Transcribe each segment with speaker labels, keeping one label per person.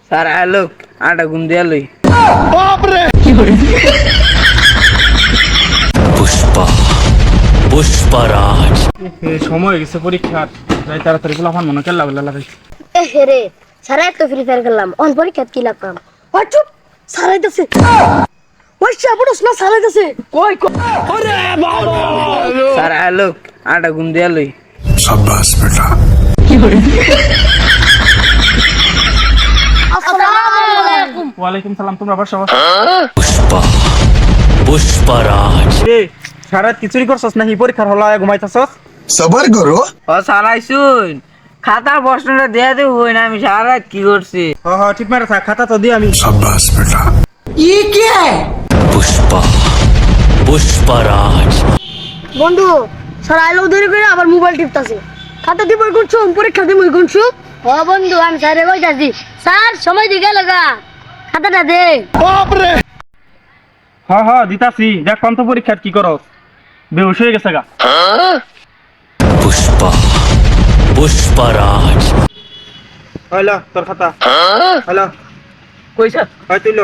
Speaker 1: Sir আলোক আটা ঘুম দিয়া লই।
Speaker 2: পুষ্পা পুষ্পারাজ
Speaker 3: সময় হয়ে গেছে পরীক্ষার, যাই তাড়াতাড়ি গোলাপান মনে কেল্লা বলে লাগাই।
Speaker 4: রে সারা তো ফ্রি ফায়ার খেললাম অন পরীক্ষা কি লাগলাম ও চুপ সারাইতেছে ওই চাপড়স না সারাইতেছে কই
Speaker 1: স্যার আলোক আটা ঘুম দিয়া লই।
Speaker 5: शाबाश बेटा।
Speaker 4: আসসালামু আলাইকুম
Speaker 3: ওয়ালাইকুম সালাম। তোমরা বসো।
Speaker 2: পুষ্পা পুষ্পারাজ
Speaker 3: এ সারা কিছুই করছস নাকি? পরীক্ষার হল ঘুমাইতেছস?
Speaker 5: सबर करो।
Speaker 1: ও স্যার আইসুন, খাতার প্রশ্নটা দেয়া দেব হই না, আমি সারা রাত কি করছি।
Speaker 3: হ ঠিক মারে থাক, খাতা তো দি আমি।
Speaker 5: शाबाश बेटा।
Speaker 2: পুষ্পা পুষ্পারাজ
Speaker 4: বন্ধু সারা আইলো দেরি করে আবার মোবাইল টিপতাছে খাতা দিব কোনছো পরীক্ষা দিব কোনছো ও বন্ধু আমি স্যারে কইতাছি স্যার সময় দিকে লাগা খাতাটা দে
Speaker 3: হ দিতাছি। দেখ কোন তো পরীক্ষার কি করস, বেহুশ হয়ে গেছে গা।
Speaker 2: পুষ্পা পুষ্পারাজ
Speaker 3: হইলো তোর খাতা। হ্যালো
Speaker 1: কই স্যার?
Speaker 3: হয় তুইলো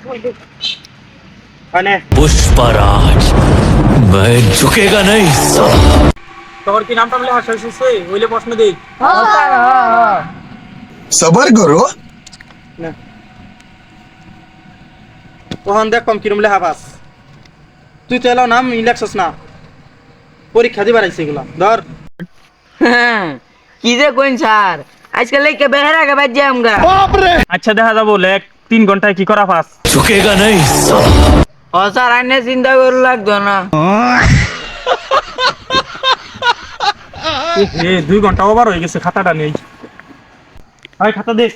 Speaker 3: আনে।
Speaker 2: पुष्पराज मैं झुकेगा नहीं साला।
Speaker 3: তোর কি নামটা বলে হাসা হইছে? হইলে প্রশ্ন দেই।
Speaker 1: ও স্যার
Speaker 5: सबर करो।
Speaker 3: না তখন দেখ কম কিরম লেখা পাস। তুই তো এলাও নাম ইলেকশস না, পরীক্ষা দিবার আইছে এগুলা ধর।
Speaker 1: হ্যাঁ, কি যে কইন স্যার, আজকাল লেখকে বেহেরা কে বাজ যাই আমরা।
Speaker 3: আচ্ছা দেখা যাবো লেখ 3 ঘন্টায় কি করা পাস।
Speaker 2: झुकेगा नहीं साला।
Speaker 1: ও স্যার আইনে চিন্তা করে লাগতো না।
Speaker 3: এ 2 ঘন্টা ওভার হয়ে গেছে, খাতাটা নেই। আয় খাতা দে।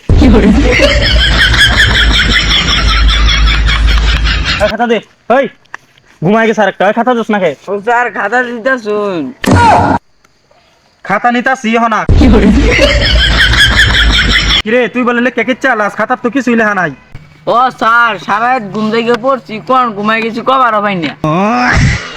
Speaker 3: আয় খাতা দে। ওই ঘুমায় গেছে আরেকটা। আয় খাতা দোস না খে।
Speaker 1: ও স্যার খাতা দিতে শুন।
Speaker 3: খাতা নিতাছি হনা। কিরে তুই বলে লেখ কে চালাস? খাতার তো কিছুই লেখা নাই।
Speaker 1: ও স্যার সারা রাত ঘুম থেকে পড়ছি, কোন ঘুমাই গেছি কবার হবে না।